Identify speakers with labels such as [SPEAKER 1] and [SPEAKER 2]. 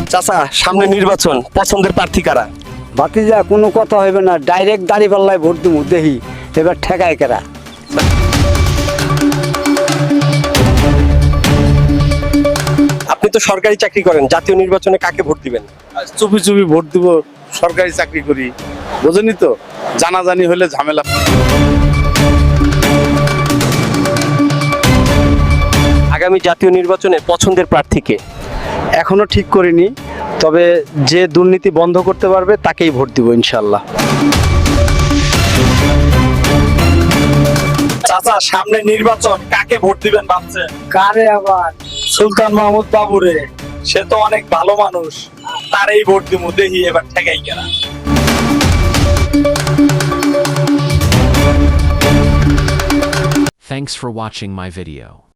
[SPEAKER 1] চাচা সামনে নির্বাচন, পছন্দের প্রার্থী কারা?
[SPEAKER 2] ভাতিজা কোনো কথা হইবে না, ডাইরেক্ট দাঁড়িপাল্লায় ভোট দিব, দেখি এবার ঠেকায় কেরা।
[SPEAKER 1] আপনি তো সরকারি চাকরি করেন, জাতীয় নির্বাচনে কাকে ভোট দিবেন?
[SPEAKER 3] চুপি চুপি ভোট দিব, সরকারি চাকরি করি, বোঝেনি তো, জানাজানি হলে ঝামেলা।
[SPEAKER 1] আগামী জাতীয় নির্বাচনে পছন্দের প্রার্থীকে?
[SPEAKER 2] এখনো ঠিক করিনি, তবে যে দুর্নীতি বন্ধ করতে পারবে তাকেই ভোট দিব ইনশাল্লাহ।
[SPEAKER 1] চাচা সামনে নির্বাচন, কাকে ভোট দিবেন ভাবছেন?
[SPEAKER 2] কারে আবার?
[SPEAKER 1] সুলতান মাহমুদ বাবুরে, সে তো অনেক ভালো মানুষ, তারই ভোট দিব, দেখি এবার ঠেকাই কেনা।
[SPEAKER 4] Thanks for watching my video.